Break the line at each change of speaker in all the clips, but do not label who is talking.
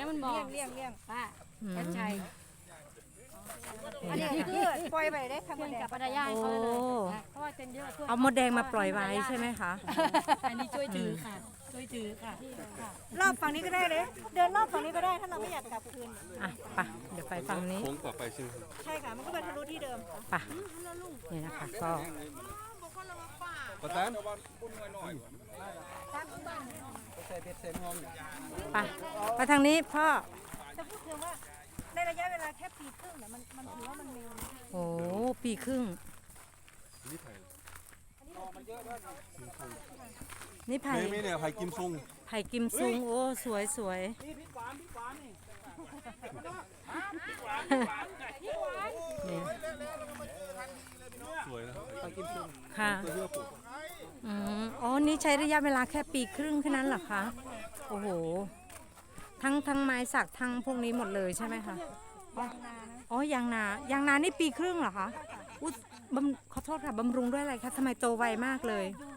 มันบอก
เลี่ยง
ป้าชัดชัย
อันนี้คือปล่อยไปได้ทำ
เพื่อน
แด
กับ
ง
ปรยายเขาเลยเพราะว่าเต็มเยอะ
เอามดแดงมาปล่อยไว้ใช่ไหมคะ
อันนี้ช่วยถือค่ะช่วยถือค่ะ
รอบฝั่งนี้ก็ได้เลย เดินรอบฝั่งนี้ก็ได้ถ้าเราไม่อยากกลับคืน
อ่ะไปเดี๋ยวไปฝั่งนี้
โค้งต่อไปใช่ไหมครับ
ใช่ค่ะมันก็เป็นทะลุที่เดิม
ไปนี่นะคะก็
ประธาน
ไปไปทางนี้พ่อ
จะพูดถึงว่าในระยะเวลาแค่ปีครึ่งเนี่ยมันถือว่ามันเร็วนะ
โอ้ปีครึ่ง
นี่ไผ่
นี่ไผ่
ไม่เนี่ยไผ่กิมซุง
ไผ่กิมซุงโอ้สวยสวยนี่
สวยนะไผ่กิมซุง
ค่ะ
เพื่อปลูก
อ๋อนี่ใช้ระยะเวลาแค่ปีครึ่งแค่นั้นเหรอคะโอ้โหทั้งไม้สักทั้งพวกนี้หมดเลยใช่ไหมคะ
ยางนานะ
อ๋อยางนานี่ปีครึ่งเหรอคะอุ๊ยขอโทษค่ะบำรุงด้วยอะไรคะทำไมโตไวมากเลย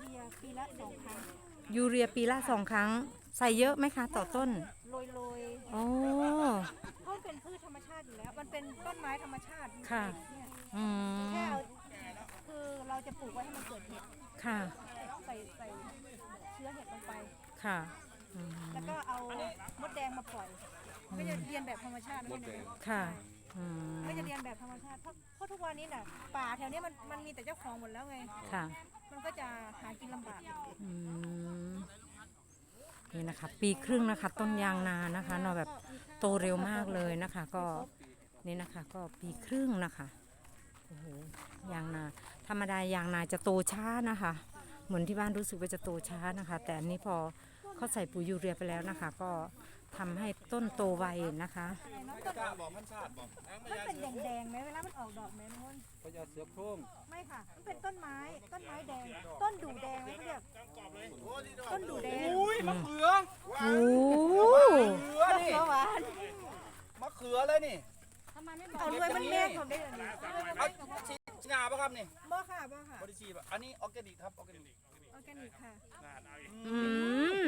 ยูเรียปีละ 2 ครั้ง
ยูเรียปีละ2 ครั้ง ใส่เยอะไหมคะต่อต้น
โรย
อ๋อ
เพราะมันเป็นพืชธรรมชาติอยู่แล้ว มันเป็นต้นไม้ธรรมชาติ
ค่ะ
เนี่ย
อืม
แค่เอาคือเราจะปลูกไว้ให้มันเกิดเห็ด
ค่ะ
ใส่เชื้อเห็ดลงไป
ค่ะอืม
แล้วก็เอามดแดงมาปล่อยก็จะเรียนแบบธรรมชาตินะ
มดแดง
ค่ะอืม
ก็จะเรียนแบบธรรมชาติเพราะทุกวันนี้น่ะป่าแถวนี้มันมีแต่เจ้าของหมดแล้วไง
ค่ะ
มันก็จะหากินลำบาก
อืมนี่นะคะ ปีครึ่งนะคะ ต้นยางนานะคะเนาะแบบโตเร็วมากเลยนะคะ ก็นี่นะคะก็ปีครึ่งนะคะโอ้โหยางนาธรรมดายางนาจะโตช้านะคะ เหมือนที่บ้านรู้สึกว่าจะโตช้านะคะ แต่อันนี้พอเขาใส่ปุ๋ยยูเรียไปแล้วนะคะ ก็ทำให้ต้นโตไวนะคะ
มันเป็นแดงๆไหมเวลามันออกดอกไหมมัน
พญาเสือโคร่ง
ไม่ค่ะ มันเป็นต้นไม้แดง ต้นดูแดงไหมเขาเรียกต้นดูแดง
อุ้ยมะเขือ
โอ้
มะเขือนี่
หวาน
มะเขือเลยนี่
ทำไมไม่บอก
เอาด้วยมันแม่ผมได้เลยนี่
เอาฉีดงาปะครับนี่
บ่ค่ะ
บริชีปะอันนี้ออร์แกนิกครับออร์แกนิก
ออร์แกนิกค่ะ
อืม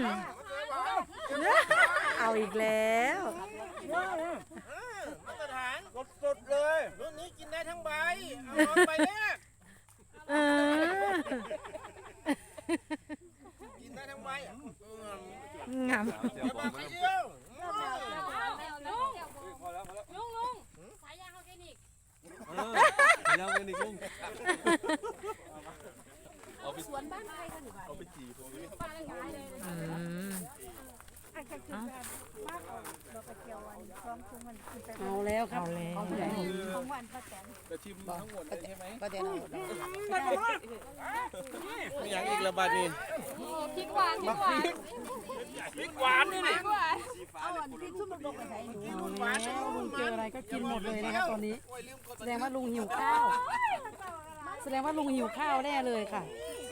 เอาอีกแล้ว
มาตรฐานสดๆเลยรุ่นนี้กินได้ทั้งใบเอาลองใบแรก
เออ
กินได้ทั้งใบ
งาม
เดี๋ยวบอก
ไป
มา
เดียว
ลุงสายยางออร์แกนิก
แล้วกันอีกลุง
สวนบ้านใครกันอยู่บ้าน
เอาไปจีบ
ป้าเลยขายเลย
อืม
อันก็คือการมากออกดอกกระเจียววันพร้อมชุมมันกินไป
เอาแล้วครับ
เอาแล้ว
ของหวานป้าแตน
จะชิมทั้งหมดเลยใช่ไหม
ไม่อยากอีกระบาดนี่
พริกหวานพริกหวาน
พริกหวานนี่นี่
เอาอันที่ชุ่มลงไปไหนหนู
หวานแล้ว
ลุงเจออะไรก็กินหมดเลยนะครับตอนนี้ แสดงว่าลุงหิวข้าว แสดงว่าลุงหิวข้าวแน่เลยค่ะ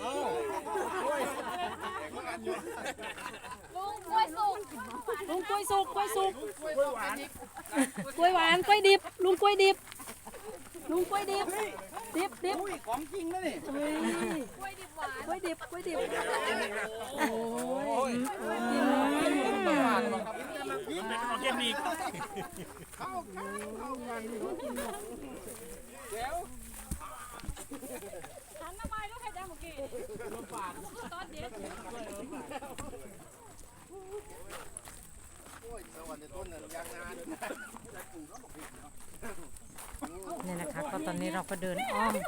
ลุงกล้วยสุกกล้วยสุกกล้วยสุก
กล้วยหวาน
กล้วยหวานกล้วยดิบลุงกล้วยดิบลุงกล้วยดิบดิบ
อุ้ยของจริงนะนี่
เฮ้ยกล้วยดิบหวานกล้วยดิบกล้วยดิบ
โอ้ยหวานเป็นออร์แกนิกเดี๋ยว
หันมาใหม่ลูกไข่ดำเมื่อกี้ตอนเด็ด
เนี่ยนะคะก็ตอนนี้เราก็เดินอ้อม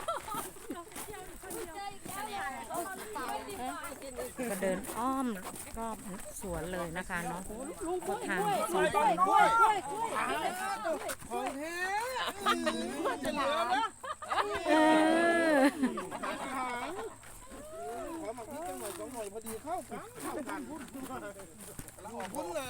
ก็เดินอ้อมรอบสวนเลยนะคะเนาะก็ทางสองฝั่ง
ของแท้จะเหลือนะ
เออ
ขอมาพิจารณา2 หน่อยพอดีเข้ากันพุ่นเหรอ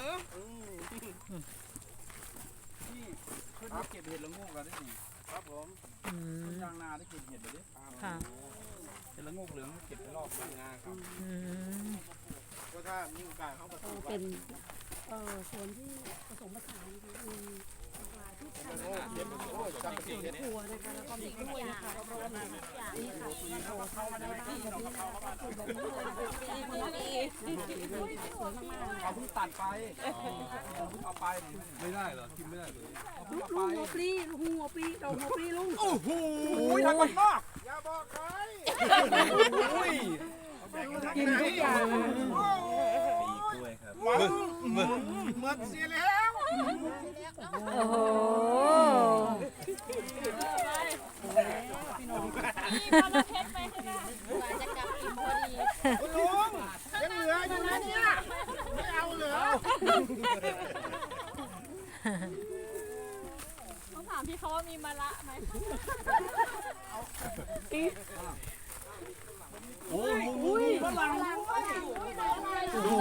ที่ขึ้นมาเก็บเห็ดละงูกันได้ดีครับผม
อืม
ยางนาได้เก็บเห็ดเลยดิ
ค่ะ
เห็ดละงูเหลืองเก็บไปรอบยางนาครับ
อืม
ก็ถ้ามีโอกาสเข้ามาปลูก
เป็นสวนที่ผสมผสานมีครัวนะคะแล้วก็มีกล้วยนะคะนี่ค่ะเราเข้ามาในบ้านแบบนี้นะคะปลูกแบบนี้เลยดีสวยมาก
เขาเพิ่งตัดไปเอาไป
ไม่ได้เหรอกินไม่ได้เลย
ลุงหัวปลีลุงหัวปลีเราหัวปลีลุง
โอ้โหทางบ้านนอก
อย่าบอกใคร
โอ้ย
กินทุกอย่าง
ปีกล้วยครับ
เหมือนเสียแล้ว
โอ้โห
คุณลุงยังเหลืออยู่นะเนี่ยไม่เอาเหรอ
ต้องถามพี่เขาว่ามีมะละไหม
โอ้โหฝรั่ง
โอ้โห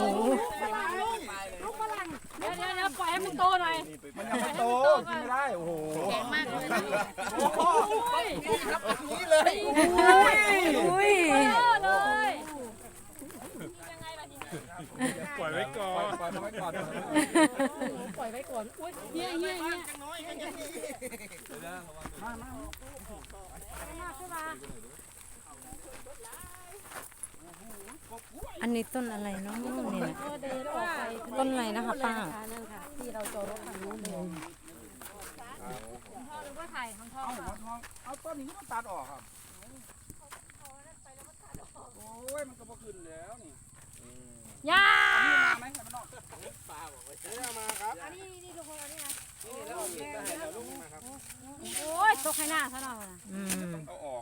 เดี๋ยวปล่อยให้มันโตหน่อย
มันยังไม่โตกินไม่ได้โอ้โห
แข็งมากเลย
โอ้โห
นี่ครับแบบนี้เลย
อุ้ย
เลยยังไงล่ะทีนี้
ปล่อยไว้ก่อน
ปล่อยไว้ก่อน
ปล่อยไว้ก่อนอุ้ยเฮีย
จังน้อยก็ยังดี
อันนี้ต้นอะไรเนาะนี่นะ
ก็เดินออกไป
ต้นอะไรนะคะป้า
นั่นค่ะที่เราจอดรถทางนู้นเลย
พ่อหรือว่าไข่ของพ่อ
เอาต้นนี้มันตัดออกครับโอ้ยมันก็พอขึ้นแล้วนี่
ย่า
มาไหมมันนอก
มาครับ
อันนี้ทุกคนอันนี้นะ
นี่แล้วเอามีดมาให้เราลุกมาครับ
โอ้ยตกให้หน้าซะหน่อยนะ
อืม
เอาออก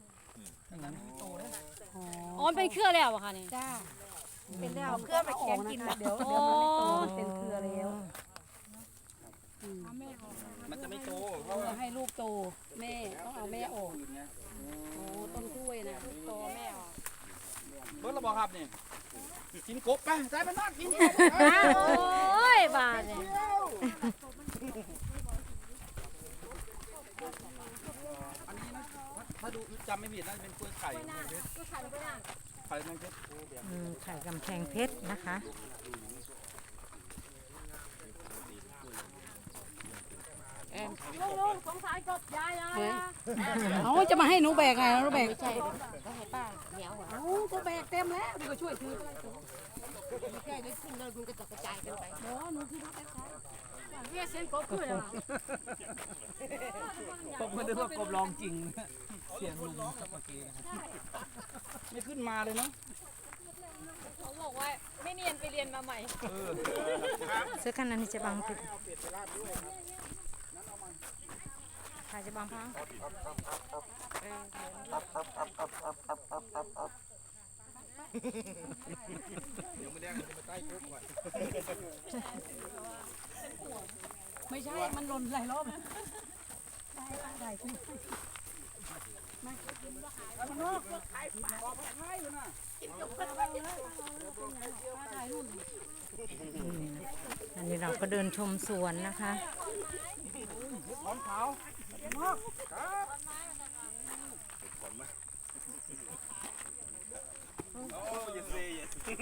อ๋อเป็นเครือแล้วอะค่ะนี่
จ้า
เป็นแล้วเครือไปแกงกิน
เดี๋ยวมันไม่โตมันเป็นเครือแล้ว
มันจะไม่โตเพ
ต้อ
ราะ
ง
ว่า
ให้ลูกโตแม่ต้องเอาแม่ออกโอ้ต้นกล้วยนะลูกโตแม่ออก
เบิร์ดเราบอกครับนี่กินกบไปใส่ไปนอนกิน
โอ้ยบาดเนี่ย
อันนี้นะถ้าดูจำไม่ผิดน่าจะเป็นกล้วยไข่ไข่แมงเพชร
ไข่กำแพงเพชรนะคะ
ลุงสงสารกบยายนะ
เอาจะมาให้หนูแบกไงหนูแบก
ใช่ต้องให้ป้าเหนียว
เอาก็แบกเต็มแล้วดีกว่าช่วยถือไปเลย
ใช่ได้ขึ้นแล้วมันก็จะกระจายกันไป
เดี๋ยวหนูคือรถแท็กซี่
เนี่ยเส้นกบคืออะไร
ผมไม่ได้ว่ากบลองจริงเสียงลุงกับเมื่อกี้ไม่ขึ้นมาเลยเนาะ
เขาบอกว่าไม่เนียนไปเรียนมาใหม่
ซื้อกันอันนี้จะบางปิดค่ะจะบางพัง
เดี๋ยวมาแดงจะมาใต้คุกก่อน
ไม่ใช่ มันหล่นหลายรอบแล้วได้คุณ
อันนี้เราก็เดินชมสวนนะคะ
ร้อนขาว
โอ้ยเซ่